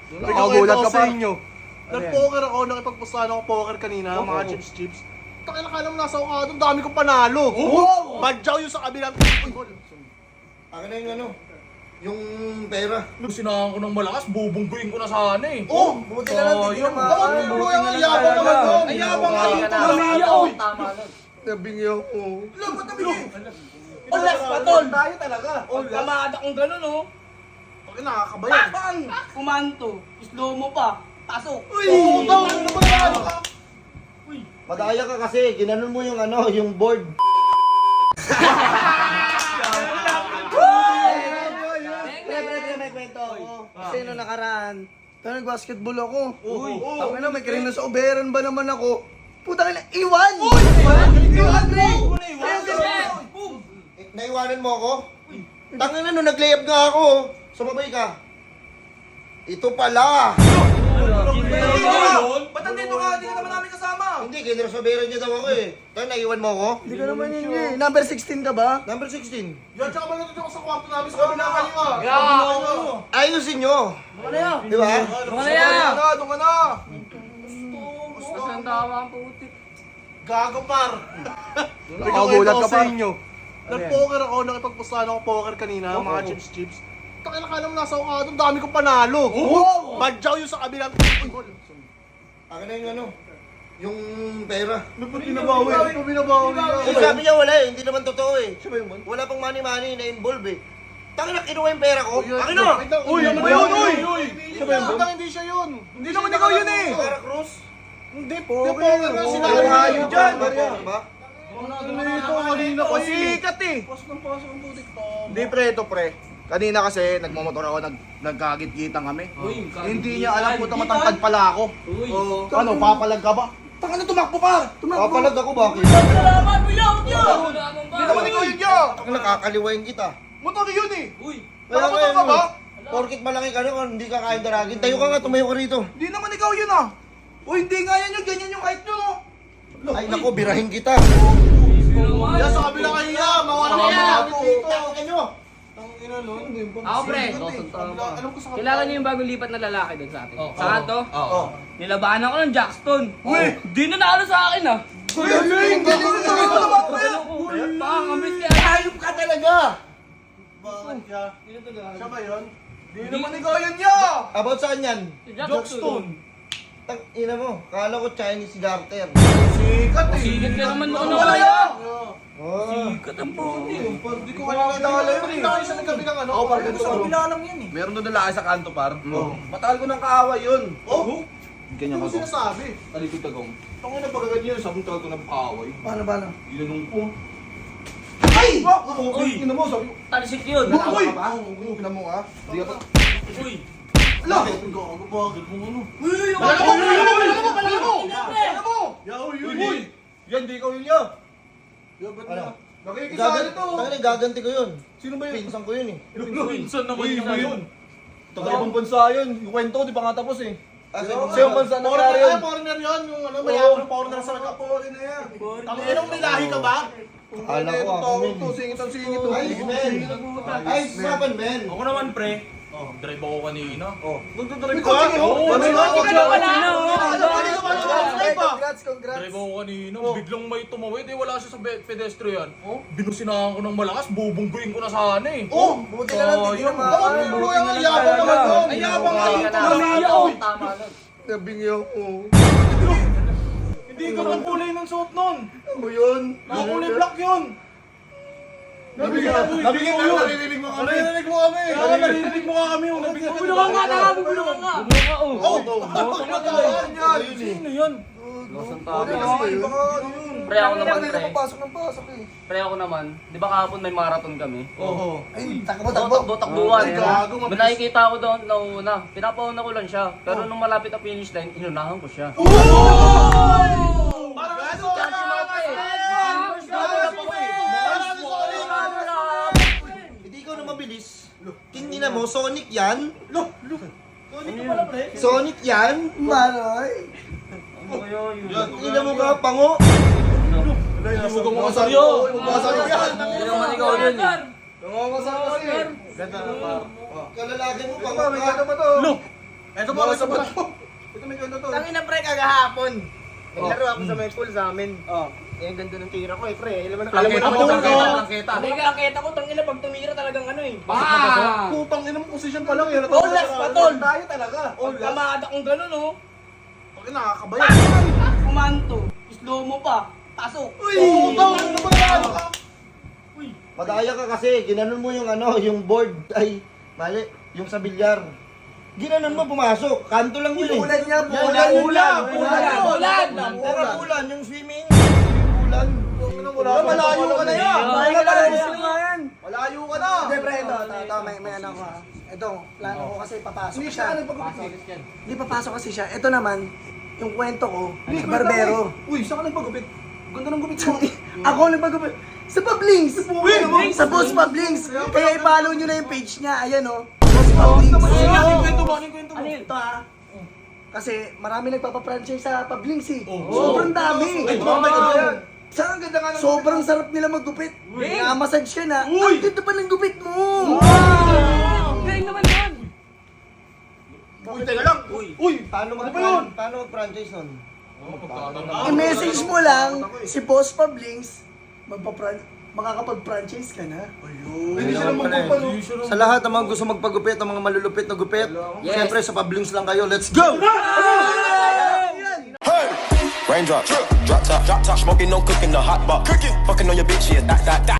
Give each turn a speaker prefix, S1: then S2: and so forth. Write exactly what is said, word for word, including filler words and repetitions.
S1: Nakagulat ka pa.
S2: Nag-poker ako, nakipagpustahan ako poker kanina, mga chips chips. Takay na kala mo nasa ukado, dami kong panalo.
S1: Oh!
S2: Badyaw yung sa kabilang.
S3: Akin na yung ano, yung pera.
S4: Sinahan ko ng malakas, bubungguin ko na sana eh.
S3: Oh, buti na lang, hindi
S4: Sayang.
S3: naman.
S2: Oh, buti na lang, yabang naman doon.
S4: Ay, yabang ka dito.
S5: Tama nun.
S2: Nabingi ako.
S3: Alam mo, tabi eh.
S5: Olas pa, tol.
S2: Tayo talaga.
S5: Kamada kong gano'n, oh.
S2: Bakit nakakabayan?
S5: Bang! Kumanto. Slow mo pa. Pasok.
S2: Uy! Ano ba yan?
S3: Madaya ka kasi, ginanon mo yung ano, yung board.
S1: Pre, pre, pre, may kwento ako. Kasi nung nakaraan, tayo nag-basketball ako.
S2: Uy!
S1: Ako na, may karina sa uberan ba naman ako? Puta ka na, iwan! Iwan! Iwan, pre!
S3: Eh, naiwanan mo ako? Tangin na, nung nag-layup nga ako, sumabay ka. Ito pala.
S4: Ba't nandito ka? Hindi ka naman namin kasama.
S3: Hindi, kinresobera niya daw ako eh. Tayo, naiwan mo ako?
S1: Hindi ka naman yun eh. Number sixteen ka ba?
S3: Number sixteen.
S2: Yan, tsaka manood ako sa kwarto namin sa kabilang kaliwa.
S3: Ayusin nyo.
S5: Ano yan?
S3: Di ba?
S5: Ano yan?
S2: Doon ka na, doon ka na.
S5: Ang tama ang putik.
S2: Gago par.
S1: Nakagulat ka pa.
S2: Nag-poker ako, nakipagpustahan ako poker kanina, mga chips chips. Takay na kala mo nasa ukado, dami kong panalo. Badyaw yung sa kabilang.
S3: Akin na yung ano, yung pera.
S2: Ba't binabawi? Ba't binabawi?
S3: Eh, sabi niya wala eh, hindi naman totoo eh. Wala pang money-money na involve eh. Tangin na, kinuha yung pera ko. Akin na!
S2: Uy, ano ba yun? Uy! Uy! Hindi siya yun.
S4: Hindi naman ikaw yun eh.
S3: Vera Cruz?
S2: Hindi po. Hindi po.
S3: Sinabi
S2: Sinabi
S3: dyan.
S2: dyan.
S3: Diba?
S2: Ano ito? Kanina pa
S4: Sikat eh.
S2: Pasok ng pasok ang putik to.
S6: Hindi pre, ito pre. Kanina kasi nagmamotor ako, nag nagkagit-gitan kami.
S5: Uy,
S6: Hindi niya alam kung matangkad pala ako.
S5: Uy.
S6: Ano, papalag ka ba? Tanga na tumakbo pa!
S3: Papalag ako bakit?
S5: Salamat mo yaw, yaw!
S6: Hindi naman ikaw yun niya!
S3: Ang nakakaliwain kita.
S6: Motor yun eh!
S5: Uy.
S3: Kaya
S6: Nakamotor
S3: nga
S6: ka
S3: yun,
S6: ba?
S3: Porkit malaki ka na kung hindi ka kayang daragin. Tayo ka nga, tumayo ka rito.
S6: Hindi naman ikaw yun ah! O hindi nga yan yung ganyan yung height nyo no?
S3: Ay nako, birahin kita.
S2: Yan sa kabilang kahiya. Mawala ka
S5: Ano
S2: mga dito. Ano? Tangina nun.
S5: Ako, pre.
S2: Alam ko sa
S5: Kilala niyo yung bagong lipat na lalaki doon sa atin? Saan to?
S4: Oo.
S5: Nilabanan ako ng Jackson. Uy! Di na naano sa akin ah.
S6: Galing! Galing! Galing!
S5: Pangamit ka.
S3: Ayop ka talaga!
S2: Bakit siya? Siya ba yun?
S6: Hindi naman ikaw yun niya!
S3: About saan yan?
S5: Jackson.
S3: Tang ina mo, kala ko Chinese garter.
S6: Sikat eh!
S5: Sigat ka naman noon na kaya.
S3: Oh.
S5: Sigat ang puti.
S2: Hindi ko kaya nakilala yun. Hindi kayo sa nagkabilang ano.
S6: Ako par ganito
S2: Sa
S6: par.
S2: kabila lang yan eh.
S6: Meron doon lalaki sa kanto par. Matagal ko ng kaaway yun.
S2: Oh?
S6: Ganyan
S2: Ano mo
S6: ako.
S2: sinasabi?
S6: Talikod tagong. Tangin na pagkagan yun, sabi ko ko ng kaaway.
S1: Paano, paano?
S6: Ginanong ko.
S2: Ay!
S6: Uy! Ina mo, sabi ko.
S5: Talisik yun.
S6: Uy! Ina mo ah. Hindi ka pa.
S5: Uy.
S2: Ala! Gago bakit mo ano?
S5: Uy!
S6: Alam mo! Alam mo! Alam mo! Alam mo!
S2: Yaw, yun.
S6: Uy! Yan, di ikaw yun niya.
S2: Yaw, ba't
S3: Ano?
S2: na?
S6: Nakikisali
S3: Gagan,
S6: to.
S3: tangin gaganti ko yun.
S6: Sino ba yun?
S3: Pinsan ko yun eh.
S5: Pinsan naman
S6: Uy,
S5: yun.
S6: iba yun. Taga ibang bansa yun. Yung kwento, di pa nga tapos eh.
S3: Ah,
S6: Sa
S3: sa
S6: ibang bansa nangyari
S2: Foreigner,
S6: yun.
S2: ay, foreigner yun. Yung ano, mayaman ng foreigner sa nagka-foreign na yan. Tanginong nilahi ka ba?
S3: Kala ko ako men.
S2: to, singit ang singit to.
S3: Ice man! Ice man man!
S4: Ako naman pre. Oh, drive ako kanina. Oh.
S2: Nagdadrive ka?
S4: Oo,
S2: Ano
S4: drive
S2: ba?
S4: ako.
S5: Ikaw wala na.
S1: Congrats, congrats.
S4: Drive ako kanina. Biglang may tumawid eh. Wala siya sa be- pedestrian. Binusinahan ko ng malakas. Bubungguin ko na sana eh.
S2: Oh!
S1: Buti na lang, hindi
S4: Sayang.
S1: naman.
S2: Bakit mo yung yabang naman doon?
S4: Ay, yabang ka dito.
S5: Tama nun.
S2: Nabingi ako.
S4: Hindi ka ang kulay ng suot nun.
S2: Ano yun?
S4: Kulay black yun.
S2: Nabingi ako.
S4: Nabingi mo yun.
S2: Naririnig mo kami.
S4: Naririnig mo kami. Kaya narinig mo nga kami. oh. Nabingi ka
S5: Bubulungan nga na. Bubulungan nga. Bubulungan nga oh.
S2: Oh! Nagkakaroon yan.
S4: Sino yun?
S5: Losang
S2: Baka
S5: tama.
S2: baka ano yun?
S5: Pre ako naman
S1: Hindi
S5: pre.
S1: na papasok ng pasok eh.
S5: Pre ako naman. Di ba kahapon may marathon kami?
S2: Oo.
S1: Ay, takbo,
S5: Takbo,
S1: takbo.
S5: takbo, takbuhan.
S2: Ay, gago, mabilis.
S5: May nakikita ako doon na una. Pinapauna ko lang siya. Pero nung malapit ang finish line, inunahan ko siya.
S2: Parang ano?
S5: Chance na pre.
S3: Hindi ikaw na mabilis. King ina mo, Sonic yan? Sonic yan?
S1: Manoy.
S3: Ina mo ka, pango?
S4: Huwag mo kasaryo.
S2: Masarap yan.
S5: Hindi naman ikaw yun eh.
S2: Nangangasar kasi.
S3: Kalalaki mo, pango
S2: Ito, may
S3: ka.
S2: ganda pa to.
S4: Look! Eh,
S2: Ito pa, ito pa. Ito may kwento to.
S7: Tangina pre, kagahapon. Naglaro ako sa may pool sa amin.
S1: Oh.
S7: Eh, ang ganda ng tira ko eh, pre. Alam mo na, alam mo na,
S2: Ako,
S4: Plangketa,
S2: no?
S4: plangketa.
S7: Hindi ka aketa ko, tangina pag tumira talagang ano eh.
S4: Ah!
S2: Putang ina mo, position pa lang eh.
S7: Olas pa, tol.
S2: Tayo talaga.
S7: Pag kamada kong gano'n oh.
S2: Okay, nakakabayan.
S7: Kumanto. Slow mo pa. Pasok.
S2: Uy! Putang ina mo na.
S3: Madaya ka kasi, ginanon mo yung ano, yung board, ay, mali, yung sa bilyar. Ginanon mo, pumasok. Kanto lang yun eh.
S1: Ulan niya,
S3: Yan,
S1: ulan,
S3: yan,
S1: ulan,
S3: ulan,
S1: ulan.
S3: Pura ulan, yung swimming. Ulan.
S2: Wala, malayo ka na yan.
S1: Malayo ka na, sino nga yan?
S2: Malayo ka na.
S1: Hindi, pre, ito, ito, ito, may, may ano ko ha. Ito, plano ko kasi papasok
S2: Hindi
S1: siya.
S2: siya nagpagupit.
S1: Hindi papasok kasi siya. Ito naman, yung kwento ko,
S2: Hindi,
S1: sa
S2: kwento
S1: barbero.
S2: ko eh. Uy, saan ka nagpagupit? Ganda ng gupit mo.
S1: Ako ang nagpagupit. Sa Pablings! Sa Boss Pablings! Kaya i-follow nyo na yung page niya. Ayan o. Boss Pablings.
S2: Anong kwento mo? Anong kwento mo?
S1: Ano ito ha? Kasi marami nagpapa-franchise sa Pablings eh. Sobrang dami.
S2: Ay, tumambay ka ba yan?
S1: Saan ang ganda nga ng sobrang sarap nila maggupit. Naka-massage ka na.
S2: Uy!
S1: Ang ganda pa ng gupit mo!
S7: Galing naman yan.
S2: Uy, teka lang. Uy. Uy,
S3: Paano mag
S2: Ano ba yun?
S3: paano mag-franchise nun?
S1: I-message mo lang si Boss Pablings. Magpa-fran- makakapag-franchise ka na.
S2: hindi sila magpapalo.
S3: Sa lahat ng mga gusto magpagupit, ng mga malulupit na gupit, siyempre sa Pablings lang kayo. Let's go!
S8: Raindrop, drop top, drop top, smoking, no cooking, the hot box, cooking, fucking on your bitch, yeah, that, that, that.